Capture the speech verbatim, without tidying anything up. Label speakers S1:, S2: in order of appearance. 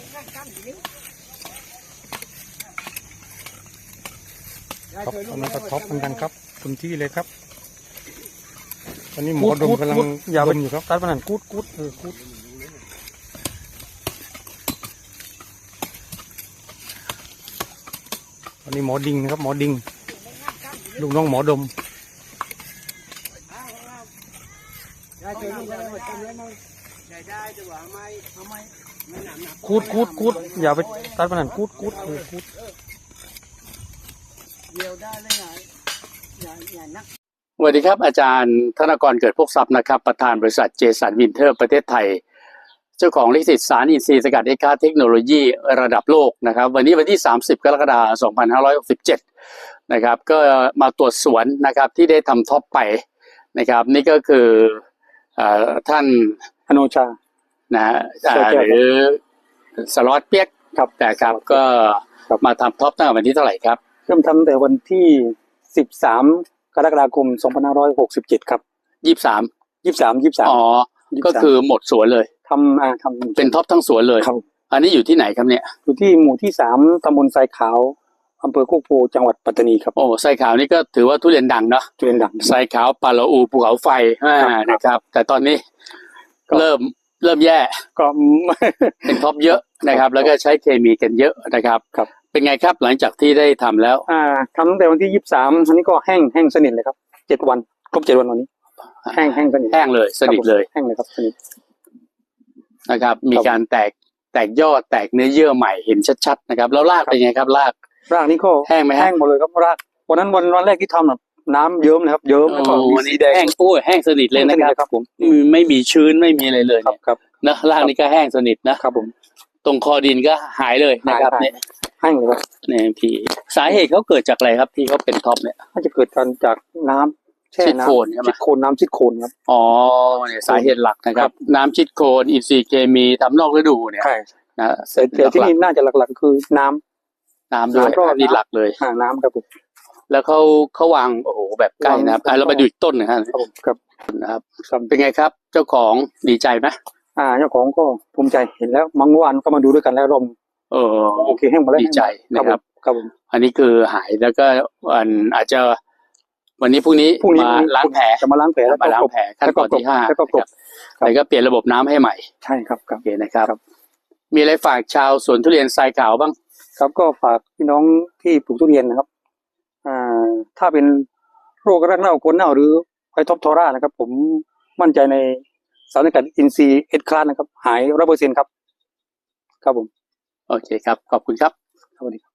S1: ครับตอนนั้นก็ท็อปเหมือนกันครับพื้นที่เลยครับตอนนี้หมอดมกำลังดมอยู่ครับตัดมันกูดกูดเออกูดตอนนี้หมอดิงนะครับหมอดิงลูกน้องหมอดมกูดกูดกูดอย่าไปตัดมันกูดกูดเออกูด
S2: สวัสดีครับอาจารย์ธนกรเกิดพวกทรัพย์นะครับประธานบริษัทเจสันวินเทอร์ประเทศไทยเจ้าของลิขสิทธิ์สารอินทรีย์สกัดเอ็กซ์คาร์เทคโนโลยีระดับโลกนะครับวันนี้วันที่สามสิบกรกฎาคมสองพันห้าร้อยหกสิบเจ็ดนะครับก็มาตรวจสวนนะครับที่ได้ทำท็อปไปนะครับนี่ก็คือท่าน
S1: อนุชา
S2: นะหรือสล็อตเปียกครับแต่ครับก็มาทำท็อปตั้งแต่วันที่เท่าไหร่ครับ
S1: เริ่มทำแต่วันที่สิบสามกรกฎาคมสองพันห้าร้อยหกสิบเจ็ดครับ
S2: ยี่สิบสาม
S1: ยี่สิบสามยี่สิบสาม
S2: อ๋อก็คือหมดสวนเลย
S1: ทำอ่าทำ
S2: เป็นท็อปทั้งสวนเลย
S1: ครับ
S2: อันนี้อยู่ที่ไหนครับเนี่ย
S1: อยู่ที่หมู่ที่สามตำบลทรายขาวอำเภอโคกโพจังหวัดปัตตานีครับ
S2: โอ้ทรายขาวนี่ก็ถือว่าทุเรียนดังเนาะ
S1: ทุเรียนดัง
S2: ทรายขาวปาละอูภูเขาไฟนะครับแต่ตอนนี้เริ่มเริ่มแย่
S1: ก็
S2: เป็นท็อปเยอะนะครับแล้วก็ใช้เคมีกันเยอะนะครับ
S1: ครับ
S2: เป็นไงครับหลังจากที่ได้ทำแล้ว
S1: อ่าทำตั้งแต่วันที่ยี่สิบสามอันนี้ก็แห้งแห้งสนิทเลยครับเจ็ดวันครบเจ็ดวันวันนี้แห้งแห้งสนิท
S2: แห้งเลยสนิทเลย
S1: แห้งเลยครับสนิท
S2: นะครับมีการแตกแตกยอดแตกเนื้อเยื่อใหม่เห็นชัดๆนะครับแล้วรากเป็นไงครับราก
S1: รากนี่ก็
S2: แห้งไหม
S1: แห้งหมดเลยครับรากวันนั้นวันวันแรกที่ทำแบบน้ำเยิ้มนะครับเยิ้มแล้วก็
S2: วันนี้แห้งโอ้ยแห้งสนิทเลยนะครับ
S1: ผม
S2: ไม่มีชื้นไม่มีอะไรเลย
S1: ครับ
S2: นะรากนี่ก็แห้งสนิทนะครับ
S1: ผม
S2: ตรงคอดินก็หายเลยนะครับเนี่ย
S1: แห้งเลยครับ
S2: เนี่ยพี่สาเหตุเขาเกิดจากอะไรครับที่เขาเป็นท็อปเนี่ย
S1: น่าจะเกิดการจากน้ำแช่น้ำชิดโคนน้ำชิดโคนครับ
S2: อ๋อเนี่ยสาเหตุหลักนะครับน้ำชิดโคนอินทรีย์เคมีทำนอกฤดูเนี่ย
S1: นะแต่ที่นี่น่าจะหลักๆคือน้ำ
S2: น้ำด้วยนี่หลักเลย
S1: น้ำครับผม
S2: แล้วเขาเขาวางโอ้โหแบบใกล้นะครับเราไปดูอีกต้นนะครับ
S1: ครับ
S2: นะครับเป็นไงครับเจ้าของดีใจไหม
S1: อ่าเจ้าของก็ภูมิใจเห็นแล้วเมื่อวานก็มาดูด้วยกันแล้วรม
S2: เออ
S1: โอเคแห้งหมดแล้ว
S2: ดีใจนะครับ
S1: ครับผม
S2: อันนี้คือหายแล้วก็วันอาจจะวันนี้พรุ่งนี้มาล้างแผล
S1: จะมาล้างแผลแล้ว
S2: มาล้างแผลขั้นตอนที่ห้า
S1: แล้วก็กบ
S2: แล้วก็เปลี่ยนระบบน้ำให้ใหม่
S1: ใช่ครับครับ
S2: โอเคนะครับมีอะไรฝากชาวสวนทุเรียนทรายขาวบ้าง
S1: ครับก็ฝากพี่น้องที่ปลูกทุเรียนนะครับอ่าถ้าเป็นโรครากเน่าโคนเน่าหรือไฟท็อปทอร่านะครับผมมั่นใจในสารสกัดอินทรีย์เอ็ดคลาสนะครับหายร้อยเปอร์เซ็นต์ครับครับผม
S2: โอเคครับขอบคุณครับ
S1: สวัสดี